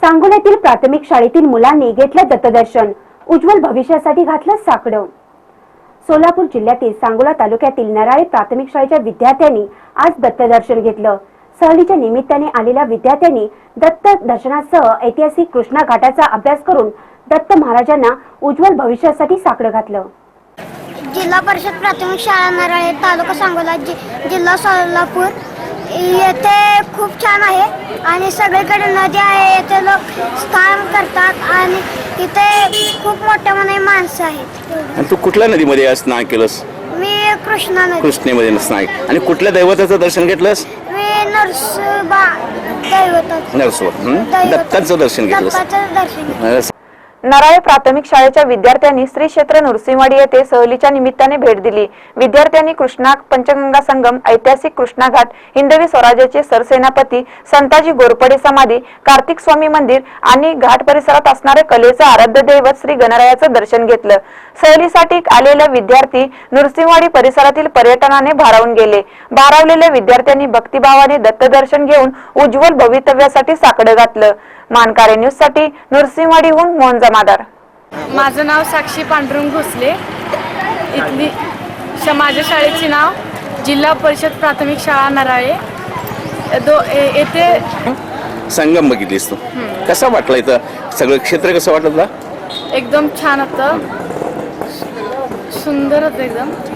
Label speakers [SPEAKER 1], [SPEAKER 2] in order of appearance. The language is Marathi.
[SPEAKER 1] सांगोल्यातील प्राथमिक शाळेतील मुलांनी घेतलं दत्तदर्शन, उज्ज्वल भविष्यासाठी घातलं साकडं। सोलापूर जिल्ह्यातील सांगोला तालुक्यातील नराळे प्राथमिक शाळेच्या विद्यार्थ्यांनी आज दत्तदर्शन घेतलं। सहलीच्या निमित्ताने आलेल्या विद्यार्थ्यांनी दत्त दर्शनासह ऐतिहासिक कृष्णा घाटाचा अभ्यास करून दत्त महाराजांना उज्ज्वल भविष्यासाठी साकडं घातलं।
[SPEAKER 2] जिल्हा परिषद प्राथमिक शाळा नराळे, तालुका सांगोला, जिल्हा सोलापूर येथे खूप छान आहे आणि सगळीकडे नदी आहे। येथे लोक स्नान करतात आणि इथे खूप मोठ्या मनाने माणसं आहेत।
[SPEAKER 3] आणि तू कुठल्या नदीमध्ये स्नान केलंस?
[SPEAKER 2] मी कृष्णा नदी
[SPEAKER 3] कृष्णेमध्ये स्नान। आणि कुठल्या दैवताचं दर्शन घेतलंस?
[SPEAKER 2] मी नरसोबा
[SPEAKER 3] दत्ताचं दर्शन घेतलंस।
[SPEAKER 2] दत्ताचं दर्शन घेतलं।
[SPEAKER 4] नराळे प्राथमिक शाळेच्या विद्यार्थ्यांनी श्री क्षेत्र नृसिंहवाडी येथे सहलीच्या निमित्ताने भेट दिली। विद्यार्थ्यांनी कृष्णा पंचगंगा संगम, ऐतिहासिक कृष्णा घाट, हिंदवी स्वराज्याचे सरसेनापती संताजी घोरपडे समाधी, कार्तिक स्वामी मंदिर आणि घाट परिसरात असणारे कलेचं आराध्य दैवत श्री गणरायाचं दर्शन घेतलं। सहलीसाठी आलेले विद्यार्थी नृसिंहवाडी परिसरातील पर्यटनाने भारावून गेले। भारावलेल्या विद्यार्थ्यांनी भक्तिभावाने दत्तदर्शन घेऊन उज्ज्वल भवितव्यासाठी साकडं घातलं। मानकारे न्यूज साठी नृसिंहवाडीहून मोहन जमादार।
[SPEAKER 5] माझं नाव साक्षी पांडुरंग भोसले। इथली माझ्या शाळेचे नाव जिल्हा परिषद प्राथमिक शाळा नराळे। येथे
[SPEAKER 3] संगम बघितलीस तू, कसा वाटला? इथं सगळं क्षेत्र कसं वाटलं तुला?
[SPEAKER 5] एकदम छान होतं, सुंदर होतं एकदम।